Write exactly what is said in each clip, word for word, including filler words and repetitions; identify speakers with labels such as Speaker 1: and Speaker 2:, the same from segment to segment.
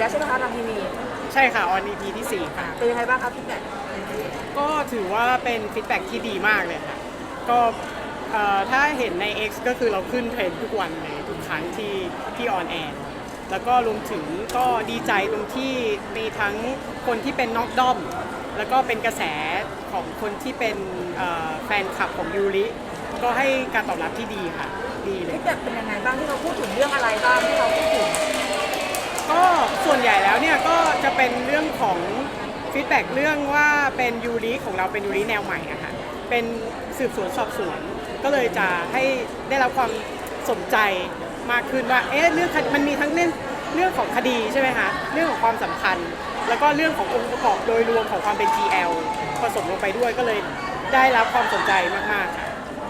Speaker 1: แล้วใช่ไหมคะทางทีวี
Speaker 2: ใช่ค่ะออน อี พี ที่สี่ค่ะ
Speaker 1: เป็นยังไงบ้างครับพี่แบ็ค
Speaker 2: ก็ถือว่าเป็นฟีดแบ็กที่ดีมากเลยค่ะก็ถ้าเห็นใน X ก็คือเราขึ้นเทรนด์ทุกวันเลยทุกครั้งที่ที่ออนแอร์แล้วก็รวมถึงก็ดีใจตรงที่มีทั้งคนที่เป็นน็อกด้อมแล้วก็เป็นกระแสของคนที่เป็นแฟนคลับของยูริก็ให้การตอบรับที่ดีค่ะดีเลย
Speaker 1: พี่แบ็คเป็นยังไงบ้างที่เขาพูดถึงเรื่องอะไรบ้างที่เขาพูดถึง
Speaker 2: ก็ส่วนใหญ่แล้วเนี่ยก็จะเป็นเรื่องของฟีดแบ็กเรื่องว่าเป็นยูริของเราเป็นยูริแนวใหม่อะค่ะเป็นสืบสวนสอบสวนก็เลยจะให้ได้รับความสนใจมากขึ้นว่าเอ๊ะเรื่องมันมีทั้งเรื่องเรื่องของคดีใช่ไหมคะเรื่องของความสัมพันธ์แล้วก็เรื่องขององค์ประกอบโดยรวมของความเป็น จี แอล ผสมลงไปด้วยก็เลยได้รับความสนใจมากๆ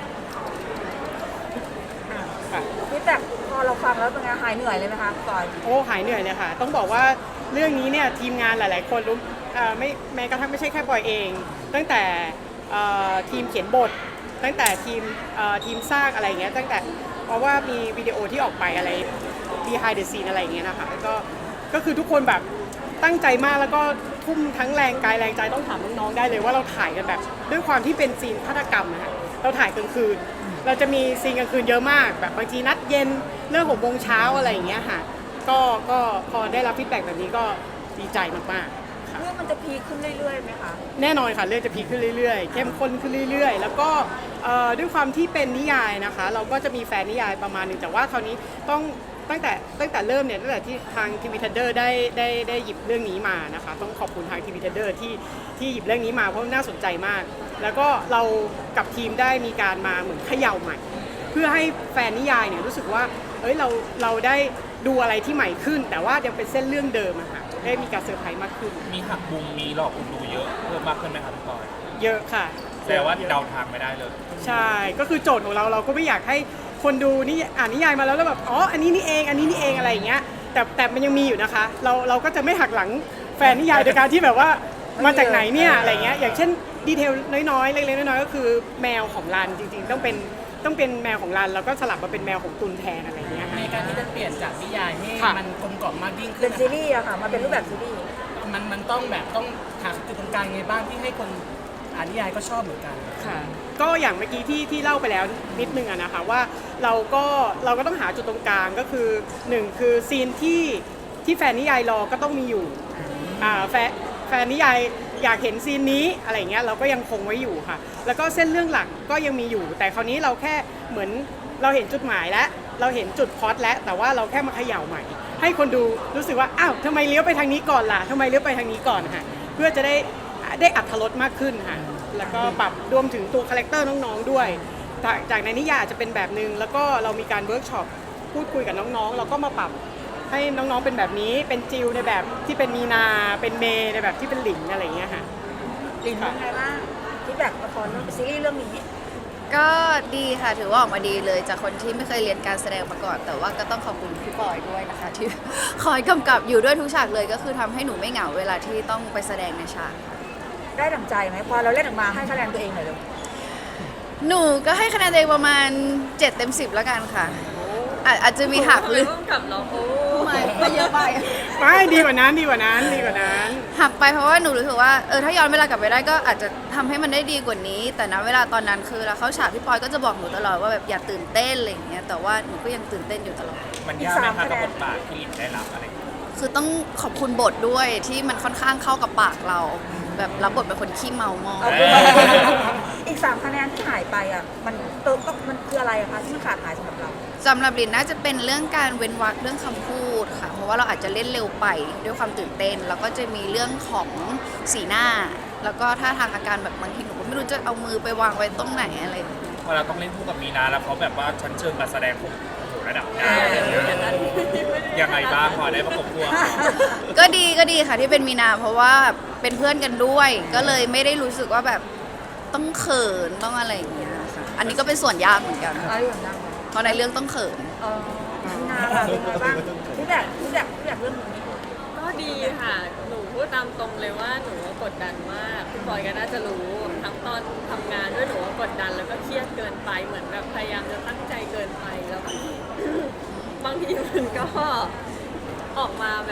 Speaker 2: ค่ะ
Speaker 1: พี่แบ็คพอเราฟังแล้วเป็นไงหายเหนื่อยเลยไหมคะก่อน
Speaker 2: โอ้หายเหนื่อยเลยค่ะต้องบอกว่าเรื่องนี้เนี่ยทีมงานหลายๆคนรู้ไม่แม้กระทั่งไม่ใช่แค่บอยเองตั้งแต่ทีมเขียนบทตั้งแต่ทีมทีมสร้างอะไรเงี้ยตั้งแต่เพราะว่ามีวิดีโอที่ออกไปอะไร behind the scene อะไรเงี้ยนะคะก็ก็คือทุกคนแบบตั้งใจมากแล้วก็ทุ่มทั้งแรงกายแรงใจต้องถามน้องๆได้เลยว่าเราถ่ายกันแบบด้วยความที่เป็นซีนฆาตกรรมนะคะเราถ่ายกลางคืนเราจะมีซีนกลางคืนเยอะมากแบบบางทีนัดเย็นเรื่องหกโมงเช้าอะไรอย่างเงี้ยค่ะก็ก็พอได้รับฟีดแบ็กแบบนี้ก็ดีใจมากๆ
Speaker 1: เรื่องมันจะพีคขึ้นเรื่อยๆไหมคะ
Speaker 2: แน่นอนค่ะเรื่องจะพีคขึ้นเรื่อยๆเข้มข้นขึ้นเรื่อยๆแล้วก็ด้วยความที่เป็นนิยายนะคะเราก็จะมีแฟนนิยายประมาณหนึ่งแต่ว่าคราวนี้ต้องตั้งแต่ตั้งแต่เริ่มเนี่ยตั้งแต่ที่ทางทีวีทันเดอร์ได้ได้ได้หยิบเรื่องนี้มานะคะต้องขอบคุณทางทีวีทันเดอร์ที่ที่หยิบเรื่องนี้มาเพราะน่าสนใจมากแล้วก็เรากับทีมได้มีการมาเหมือนเขย่าใหม่เพื่อให้แฟนนิยายเนี่ยรู้สึกว่าเอ้ยเราเราได้ดูอะไรที่ใหม่ขึ้นแต่ว่ายังเป็นเส้นเรื่องเดิมอะค่ะได้มีการเซอร์ไพรส์มากขึ้น
Speaker 3: มีหักมุมมีหลอกคนดูเยอะเพิ่มมากขึ้นไหมครับพี่ปอย
Speaker 2: เยอะค่ะ
Speaker 3: แต่ว่าเดาทางไม่ได้เลย
Speaker 2: ใช่ก็คือโจทย์ของเราเราก็ไม่อยากให้คนดูนี่อ่านนิยายมาแล้วแล้วแบบอ๋ออันนี้นี่เองอันนี้นี่เองอะไรอย่างเงี้ยแต่แต่มันยังมีอยู่นะคะเราเราก็จะไม่หักหลังแฟนนิยายโดยการที่แบบว่ามาจากไหนเนี่ยอะไรเงี้ยอย่างเช่นดีเทลน้อยๆเล็กๆน้อยๆก็คือแมวของรันจริงๆต้องเป็นต้องเป็นแมวของรันแล้วก็สลับมาเป็นแมวของตุนแทนอะไรเงี้ย
Speaker 4: ในการที่จะเปลี่ยนจากนิยายให้มันกลมกล่อมมากยิ่งขึ้น
Speaker 1: เป็นซีรีส์อะค่ะมาเป็นรูปแบบซีรีส์
Speaker 4: มันมันต้องแบบต้องหาจุดตรงกลางไงบ้างที่ให้คนอ่านนิยายก็ชอบเหมือนกัน
Speaker 2: ค่ะก็อย่างเมื่อกี้ที่ที่เล่าไปแล้วนิดนึงอะนะคะว่าเราก็เราก็ต้องหาจุดตรงกลางก็คือหนึ่งคือซีนที่ที่แฟนนิยายรอก็ต้องมีอยู่อ่าแฟนแฟนนิยายอยากเห็นซีนนี้อะไรเงี้ยเราก็ยังคงไว้อยู่ค่ะแล้วก็เส้นเรื่องหลักก็ยังมีอยู่แต่คราวนี้เราแค่เหมือนเราเห็นจุดหมายแล้วเราเห็นจุดพล็อตแล้วแต่ว่าเราแค่มาเขย่าใหม่ให้คนดูรู้สึกว่าอ้าวทำไมเลี้ยวไปทางนี้ก่อนล่ะทำไมเลี้ยวไปทางนี้ก่อนค่ะเพื่อจะได้ได้อรรถรสมากขึ้นค่ะแล้วก็ปรับรวมถึงตัวคาแรคเตอร์น้องๆด้วยจากในนิยายอาจจะเป็นแบบนึงแล้วก็เรามีการเวิร์กช็อปพูดคุยกับน้องๆเราก็มาปรับให้น้องๆเป็นแบบนี้เป็นจิวในแบบที่เป็นมีนาเป็นเมย์ในแบบที่เป็นหลิงอะไรอย่างเงี้ยค่ะ
Speaker 1: หลิงเป็นไงบ้างฟีดแบ็กละครซีรีส์เรื่องนี้
Speaker 5: ก็ดีค่ะถือว่าออกมาดีเลยจากคนที่ไม่เคยเรียนการแสดงมาก่อนแต่ว่าก็ต้องขอบคุณพี่ปอยด้วยนะคะที่คอยกำกับอยู่ด้วยทุกฉากเลยก็คือทำให้หนูไม่เหงาเวลาที่ต้องไปแสดงในฉาก
Speaker 1: ได้ดั่งใจไหมพอเราเล่นออกมาให้คะแนนตัวเองหน่อยเลย
Speaker 5: หนูก็ให้คะแนนตัวเองประมาณเจ็ดเต็มสิบแล้วกันค่ะอาจจะมีหักหรือ
Speaker 1: กับเราโอ้
Speaker 5: ไม่ไม่เยอะไป
Speaker 2: ไม่ดีกว่านั้นดีกว่านั้นดีกว่านั้น
Speaker 5: หักไปเพราะว่าหนูรู้สึกว่าเออถ้าย้อนเวลากลับไปได้ก็อาจจะทำให้มันได้ดีกว่านี้แต่ณเวลาตอนนั้นคือเราเข้าฉากพี่ปอยก็จะบอกหนูตลอดว่าแบบอย่าตื่นเต้นอะไรอย่างเงี้ยแต่ว่าหนูก็ยังตื่นเต้นอยู่ตลอด
Speaker 3: มันยากไหมคะกับบทบาทที่ได้รับอะไร
Speaker 5: คือต้องขอบคุณบทด้วยที่มันค่อนข้างเข้ากับปากเราแบบรับบทเป็นคนขี้เมามาก
Speaker 1: อีกสามคะแนนที่หายไปอ่ะมันเติมมันคืออะไรอะคะที่มันขาดหายสำหรับเรา
Speaker 5: สำหรับลินน่าจะเป็นเรื่องการเว้นวรรคเรื่องคำพูดค่ะเพราะว่าเราอาจจะเล่นเร็วไปด้วยความตื่นเต้นแล้วก็จะมีเรื่องของสีหน้าแล้วก็ท่าทางอาการแบบบางทีหนูก็ไม่รู้จะเอามือไปวางไว้ตรงไหนอะไร
Speaker 3: พอเราต้องเล่นคู่กับมีนาแล้วเขาแบบว่าชั้นเชิงการแสดงของระดับดาวยังไงบ้างพอได้ประกบคู่
Speaker 5: ก็ดีก็ดีค่ะที่เป็นมีนาเพราะว่าเป็นเพื่อนกันด้วยก็เลยไม่ได้รู้สึกว่าแบบต้องเขินต้องอะไรอย่างเงี้ยค่ะอันนี้ก็เป็นส่วนยากเหมือนกันเพราะในเรื่องต้องเขิน
Speaker 1: มีนาค่ะเป็นไงบ้างพี่แบบพี่แบบพี่แบบเรื่องนี้
Speaker 6: ก็ดีค่ะหนูพูดตามตรงเลยว่าหนูกดดันมากพี่บอยก็น่าจะรู้ทั้งตอนทำงานด้วยหนูว่ากดดันแล้วก็เครียดเกินไปเหมือนแบบพยายามจะตั้งใจเกินไปแล้วบางทีมันก็ออกมาแบบ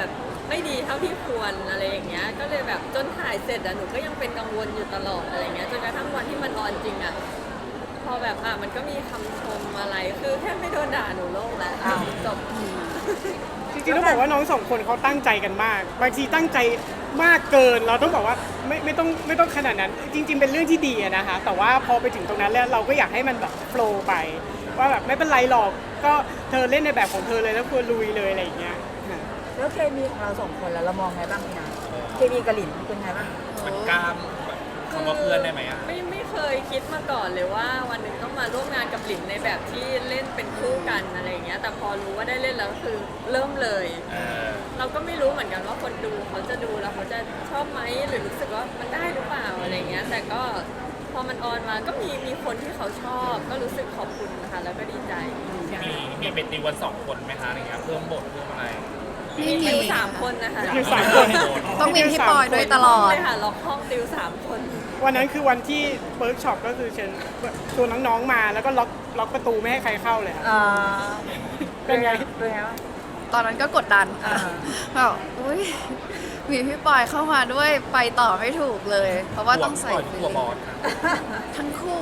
Speaker 6: ไม่ดีเท่าที่ควรอะไรอย่างเงี้ยก็เลยแบบจนถ่ายเสร็จอะหนูก็ยังเป็นกังวลอยู่ตลอดอะไรเงี้ยจนกระทั่งวันที่มันออนจริงอะพอแบบอ่ะมันก็มีคำชมอะไรคือแค่ไม่โดนด่าหนูโล่งแล้วจบ
Speaker 2: จริงๆต้องบอกว่าน้องสองคนเขาตั้งใจกันมาก บางทีตั้งใจมากเกินเราต้องบอกว่าไม่ไม่ต้องไม่ต้องขนาดนั้น จริง ๆ เป็นเรื่องที่ดีอะนะคะแต่ว่าพอไปถึงตรงนั้นแล้วเราก็อยากให้มันแบบโฟลว์ไป ว่าแบบไม่เป็นไรหรอกก็เธอเล่นในแบบของเธอเลยแล้วควรลุยเลยอะไรอย่างเงี้ยค่ะ
Speaker 1: แล้วเคมีของเราสองคนแล้วเรามองไงบ้างพี่นาเคมีกับหลินเป็นไงบ้าง
Speaker 3: มันกล้ามแบบคำว่าเพื่อนได้ไหมอ่ะ
Speaker 6: ไม่ไม่เคยคิดมาก่อนเลยว่าวันหนึ่งต้องมาร่วมงานกับหลินในแบบที่เล่นเป็นคู่กันอะไรอย่างเงี้ยแต่พอรู้ว่าได้เล่นแล้วก็คือเริ่มเลย
Speaker 3: เออ
Speaker 6: เราก็ไม่รู้เหมือนกันว่าคนดูเขาจะดูแล้วเขาจะชอบไหมหรือรู้สึกว่ามันได้หรือเปล่าอะไรเงี้ยแต่ก็พอมันออนมาก็มีมีคนที่เขาชอบ ก็รู้สึกขอบคุณนะคะแล้วก็ดีใจ
Speaker 3: มีมีเป็นติวกันสองคนไหมคะอะไรเงี้ยเพิ่มบทเพิ่มอะไร
Speaker 5: ไม่มี
Speaker 6: ติวสามคนนะคะ
Speaker 2: ติวสามคน
Speaker 5: ต้องมีพี่ปอยด้วยตลอด
Speaker 6: เลยค่ะล็อกห้องติวสามคน
Speaker 2: วันนั้นคือวันที่เวิร์กช็อปก็คือเชิญชวนน้องๆมาแล้วก็ล็อกล็อกประตูไม่ให้ใครเข้าเลยค่ะ
Speaker 1: อ่า
Speaker 2: เป็นไง
Speaker 1: เป็นไงบ้าง
Speaker 5: ตอนนั้นก็กดดัน
Speaker 1: อ่า
Speaker 5: แบบอุ้ยมีพี่ปอยเข้ามาด้วยไปต่อไม่ถูกเลย เพราะว่าต้องใส่
Speaker 3: กลัวบอสค่ะ
Speaker 5: ทั้งคู่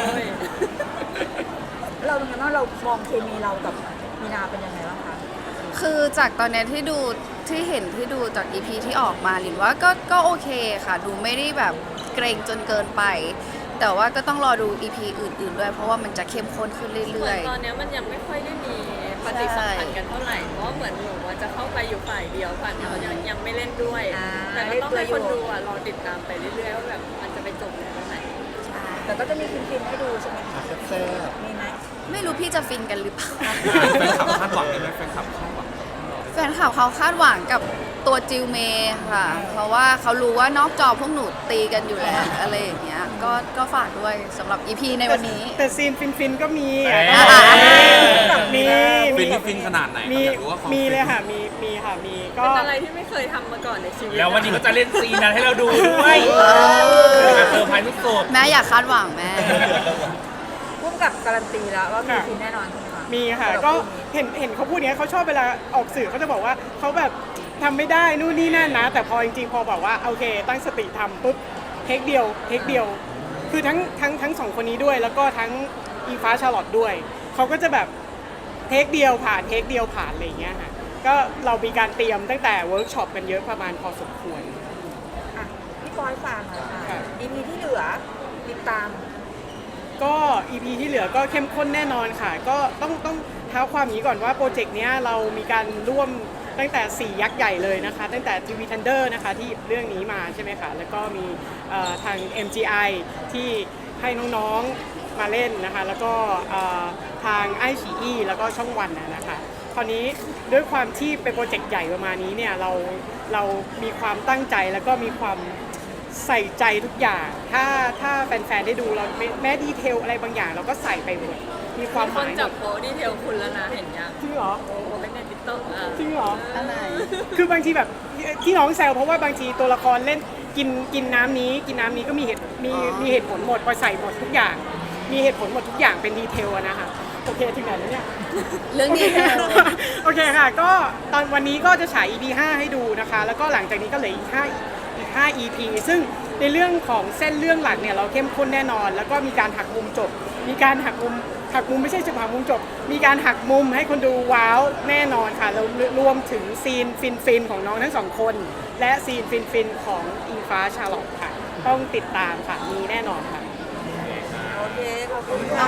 Speaker 1: เราเป็นไงบ้างเรามองเคมีเรากับมีนาเป็นยังไงบ้างคะ
Speaker 5: คือจากตอนเนี้ยที่ดูที่เห็นที่ดูจาก อี พี ที่ออกมาหลินว่าก็ก็โอเคค่ะ ดูไม่ได้แบบเกรงจนเกินไป แต่ว่าก็ต้องรอดู อี พี อื่นๆด้วย เพราะว่ามันจะเข้มข้นขึ้น
Speaker 6: เหมื
Speaker 5: เรื่
Speaker 6: อ
Speaker 5: อน ย
Speaker 6: ตอนเนี้ยมันยังไม่ค่อยได้มีปฏิสัมพันธ์กันเท่าไหร่ เพราะว่าเหมือนหนูว่าจะเข้าไปอยู่ฝ่ายเดียวฝ่ายเขายังยังไม่เล่นด้วย
Speaker 1: อ่า
Speaker 6: แต่ก็ต้องให้คนดูอ่ะรอติดตามไปเรื่อยๆว่าแบบมันจะไปจบในตรงไหน
Speaker 5: ๆใช่
Speaker 1: แต่ก็จะมีฟินๆให้ดูใช่ไหมคะมีไหม
Speaker 5: ไม่รู้พี่จะฟินกันหรือเปล่า
Speaker 3: แฟนคลับคาดหวังไหมแฟนคลับคาดหวัง
Speaker 5: แฟนคลับเขาคาดหวังกับตัวจิวเมย์ค่ะ เพราะว่าเขารู้ว่านอกจอพวกหนูตีกันอยู่แล้วอะไรอย่างเงี้ย ก็ก็ฝากด้วยสำหรับ อี พี ในวันนี้
Speaker 2: แต่ซีนฟินๆก็มี
Speaker 3: เอ้ย
Speaker 2: มี
Speaker 7: ฟิ
Speaker 2: มี
Speaker 7: นนี่ฟินขนาดไหน
Speaker 2: มี
Speaker 7: อยากรู้ว่าความ
Speaker 2: มี
Speaker 7: ฟิน
Speaker 2: เลยค่ะมีมีค่ะมีก็
Speaker 6: เป็นอะไรที่ไม่เคยทำมาก่อนในชีวิต
Speaker 3: แล้ววันนี้ก็จะเล่นซีนนั้นให้เราดูด้วยเซอร์ไพรส์สุด
Speaker 5: แม่อยากคาดหวังแม่
Speaker 1: พุ่มกับการันตีแล้วว่ามีฟินแน่นอนใช่ไหมคะ
Speaker 2: มีค่ะ
Speaker 1: สำหรับ
Speaker 2: ก็
Speaker 1: คู่นี้
Speaker 2: เห็นเห็นเขาพูดอย่างเนี้ยเขาชอบเวลาออกสื่อเขาจะบอกว่าเขาแบบทำไม่ได้นู่นนี่นั่นนะ แต่พอจริงๆพอบอกว่าโอเค ตั้งสติทำปุ๊บเทคเดียวเทคเดียว คือทั้งทั้งทั้งสองคนนี้ด้วย แล้วก็ทั้งอีฟ้าชาร์ลอตด้วยเขาก็จะแบบเทคเดียวผ่านเทคเดียวผ่านอะไรอย่างเงี้ยค่ะก็เรามีการเตรียมตั้งแต่เวิร์กช็อปกันเยอะประมาณพอสมควร
Speaker 1: อ่ะพี่ปอยฟังหน่อยค่ะ
Speaker 2: ค่ะ
Speaker 1: อีพีที่เหลือติดตาม
Speaker 2: ก็ อี พี ที่เหลือก็เข้มข้นแน่นอนค่ะ ก็ต้องต้องเท้าความอย่างนี้ก่อนว่าโปรเจกต์เนี้ยเรามีการร่วมตั้งแต่สี่ยักษ์ใหญ่เลยนะคะ ตั้งแต่ ที วี Thunder นะคะที่หยิบเรื่องนี้มาใช่ไหมคะ แล้วก็มีเอ่อทาง เอ็ม จี ไอ ที่ให้น้องๆมาเล่นนะคะ แล้วก็เอ่อทางไอชีอีแล้วก็ช่องวันนะนะคะ คราวนี้ด้วยความที่เป็นโปรเจกต์ใหญ่ประมาณนี้เนี่ยเราเรามีความตั้งใจแล้วก็มีความใส่ใจทุกอย่าง ถ้าถ้าแฟนๆได้ดูเราแม้แม้ดีเทลอะไรบางอย่างเราก็ใส่ไปหมด มีความ
Speaker 6: มี
Speaker 2: ห
Speaker 6: คน
Speaker 2: มายหม
Speaker 6: จับ
Speaker 2: ด
Speaker 6: โพสต์ดีเทลคุณแล้วนะเห็นยัง
Speaker 2: จริงเหรอ
Speaker 6: โอ้โหในติ๊กต็อกอ่ะ
Speaker 2: จริงเหรอ
Speaker 5: อันไหน
Speaker 2: คือบางทีแบบที่น้องแซวเพราะว่าบางทีตัวละครเล่นกินกินน้ำนี้ กินน้ำนี้ก็มีเหตุมี
Speaker 5: อ๋อ
Speaker 2: มีเหตุผลหมดพอใส่หมดทุกอย่าง มีเหตุผลหมดทุกอย่างเป็นดีเทลอะนะคะโอเคถึงไหนแล้วเนี่ย
Speaker 5: เรื่องนี้ค่ะ
Speaker 2: โอเคค่ะ ก็ตอนวันนี้ก็จะฉาย อี พี ห้าให้ดูนะคะ แล้วก็หลังจากนี้ก็เหลืออีกห้าอีกห้า อี พี ซึ่งในเรื่องของเส้นเรื่องหลักเนี่ยเราเข้มข้นแน่นอน แล้วก็มีการหักมุมจบ มีการหักมุมหักมุมไม่ใช่จะหักมุมจบ มีการหักมุมให้คนดูว้าวแน่นอนค่ะแล้วรวมถึงซีนฟินฟินๆของน้องทั้งสองคน และซีนฟินฟินๆของอิงฟ้าชาร์ลอตค่ะ ต้องติดตามค่ะ มีแน่นอนค่ะ
Speaker 1: โอเค ขอบคุณ
Speaker 5: ขอบ